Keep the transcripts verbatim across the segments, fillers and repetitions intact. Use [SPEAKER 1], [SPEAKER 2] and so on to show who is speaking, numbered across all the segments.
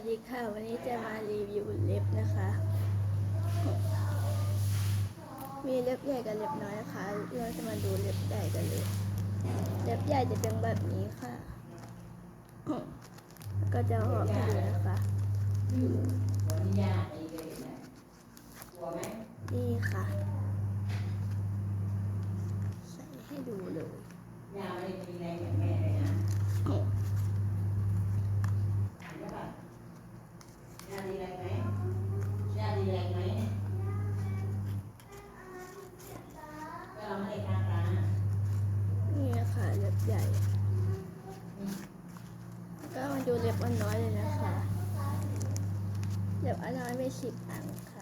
[SPEAKER 1] ดีค่ะวันนี้จะมารีวิวเล็บนะคะมีเล็บใหญ่กับเล็บน้อยนะคะเราจะมาดูเล็บใหญ่กันเลยเล็บใหญ่จะเป็นแบบนี้ค่ะแล้วก็จะหอบให้ดูนะคะนี่ค่ะใส่ให้ดูเลยยาวเลยมีแรงอย่างแม่เลยนะยาดีแรงไหมยาดีแรงไหมก็เราไม่ได้ทำร้านนี่ค่ะเล็บใหญ่ก็มาดูเล็บอันน้อยเลยนะคะเล็บอันน้อยไม่สิบอันค่ะ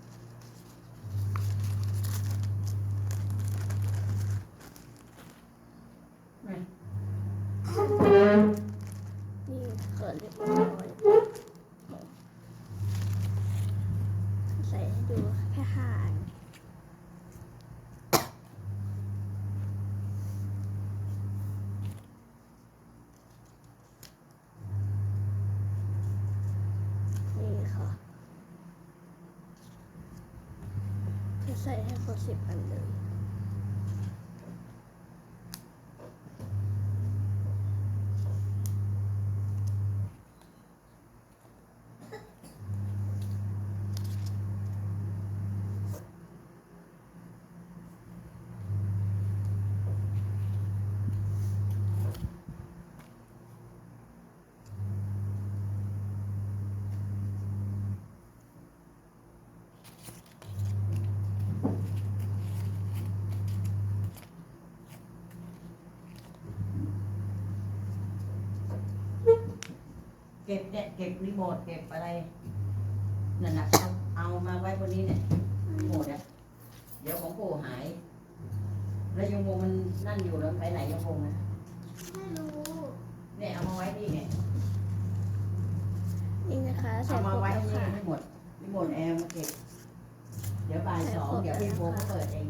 [SPEAKER 1] นี่เกิดเล็บอันน้อยใส่ให้ดูแค่ห้าอันนี่ค่ะจะใส่ให้ครบสิบอันเลย
[SPEAKER 2] เก็บเนี่ยเก็บรีโมทเก็บอะไรนั่นน่ะเอาเอามาไว้บนนี้เนี่ยรีโมทอ่ะเดี๋ยวของปู่หายแล้วยงวงมันนั่นอยู่แล้วไปไหนยงวงนะ
[SPEAKER 1] ไม่รู้
[SPEAKER 2] เนี่ยเอามาไว้นี่ไง
[SPEAKER 1] นี่นะคะใส่
[SPEAKER 2] เอา
[SPEAKER 1] คร
[SPEAKER 2] มา
[SPEAKER 1] บ
[SPEAKER 2] ไว้
[SPEAKER 1] แล้ว
[SPEAKER 2] นี่
[SPEAKER 1] ค่ะ
[SPEAKER 2] รีโมทรีโมทแอร์มาเก็บเดี๋ยวบ่ายสองเดี๋ยวพี่โบก็เปิดเอง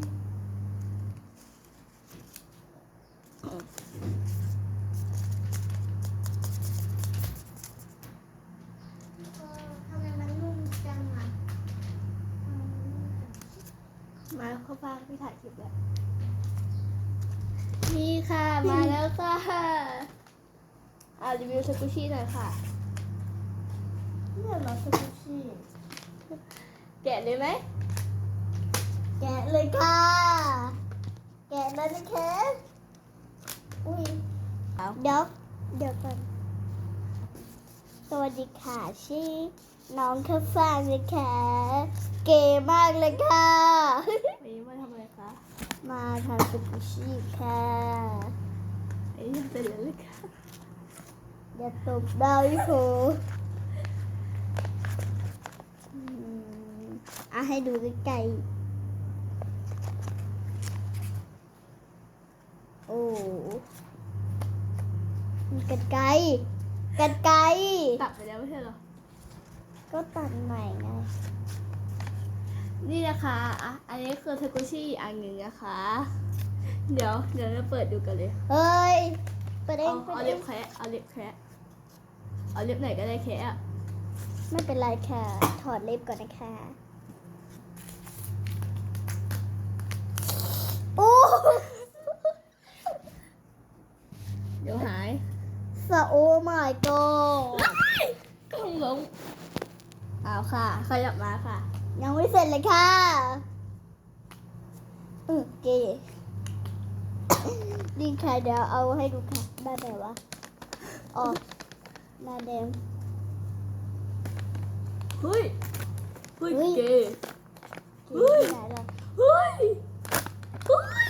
[SPEAKER 1] มาเข้าบ้านพี่ถ่ายคลิปแล้วนี่ค่ะมาแล้วค่ะอ่ารีวิวสกูชี่หน่อยค่ะเนี่ยมาสกูชี่แกะเลยไหมแกะเลยค่ะแกะเลยนะคะอุ้ยเดี๋ยวเดี๋ยวก่อนสวัสดีค่ะชื่อน้องข้าวฟ่างนะคะเก๋มากเลยค่ะวันนี้มาทำอะไรคะมาทำสกูชี่ค่ะไอ้ยังเป็นเลยค่ะอย่าตบดาวอีโผอ่ะให้ดูใกล้ๆโอ้กันไกลกันไกลตัดไปแล้วไม่ใช่หรอก็ตัดใหม่ไงนี่นะคะอ่ะอันนี้คือทากุชิอันหนึ่งนะคะเดี๋ยวเดี๋ยวเราเปิดดูกันเลยเฮ้ยเปิดเองเอาเล็บแคะเอาเล็บแคะเอาเล็บไหนก็ได้แคะไม่เป็นไรค่ะถอดเล็บก่อนนะคะโอ้เดี๋ยวหายสะโอ้ my god กล้องล้มเอาค่ะขยับมาค่ะยังไม่เสร็จเลยค่ะโอเคดีค่ะเดี๋ยวเอาให้ดูค่ะได้ไหมวะออกหน้าแดงเฮ้ยเฮ้ยเก๋เฮ้ยเฮ้ยเฮ้ย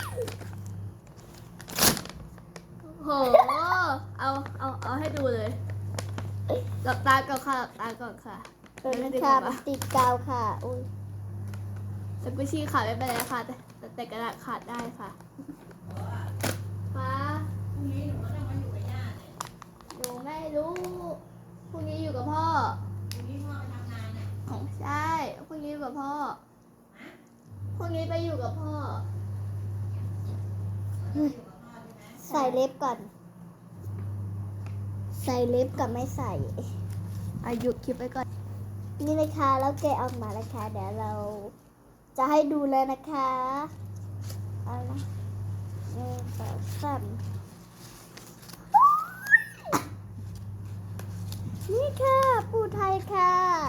[SPEAKER 1] โหเอาเอาเอาให้ดูเลยหลับตาก่อนค่ะหลับตาก่อนค่ะเออค่ะมันติดกาวค่ะอุ้ยสกุชี่ขาดไม่เป็นไรค่ะแต่แต่กระดาษขาดได้ค่ะฟ้า
[SPEAKER 2] พรุ่งนี้หนูก็ต้องมาอยู่กับย่าเนี่ย
[SPEAKER 1] หนูไม่รู้พรุ่งนี้อยู่กับพ่อ
[SPEAKER 2] พรุ่งนี้พ่อไปทำงานเนี่ย
[SPEAKER 1] ของใช่พรุ่งนี้อยู่กับพ่อพรุ่งนี้ไปอยู่กับพ่อใส่เล็บก่อนใส่เล็บกับไม่ใส่อายุคลิปไปก่อน นี่นะคะแล้วแกะออกมาแล้วค่ะเดี๋ยวเราจะให้ดูเลยนะคะเอาละหนึ่งสองสามนี่ค่ะปูไทยค่ะ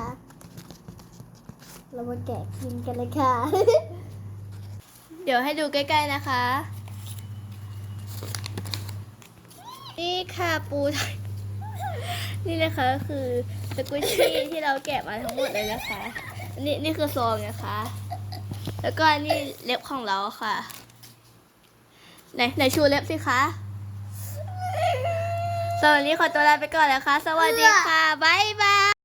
[SPEAKER 1] เรามาแกะกินกันเลยค่ะ เดี๋ยวให้ดูใกล้ๆนะคะ นี่ค่ะปูไทย นี่นะคะคือสกุชชี่ที่เราแกะมาทั้งหมดเลยนะคะ นี่นี่คือซองนะคะ แล้วก็นี่เล็บของเราค่ะ ไหนไหนชูเล็บสิคะสำหรับวันนี้ขอตัวลาไปก่อนแล้วค่ะ สวัสดีค่ะ บ๊ายบาย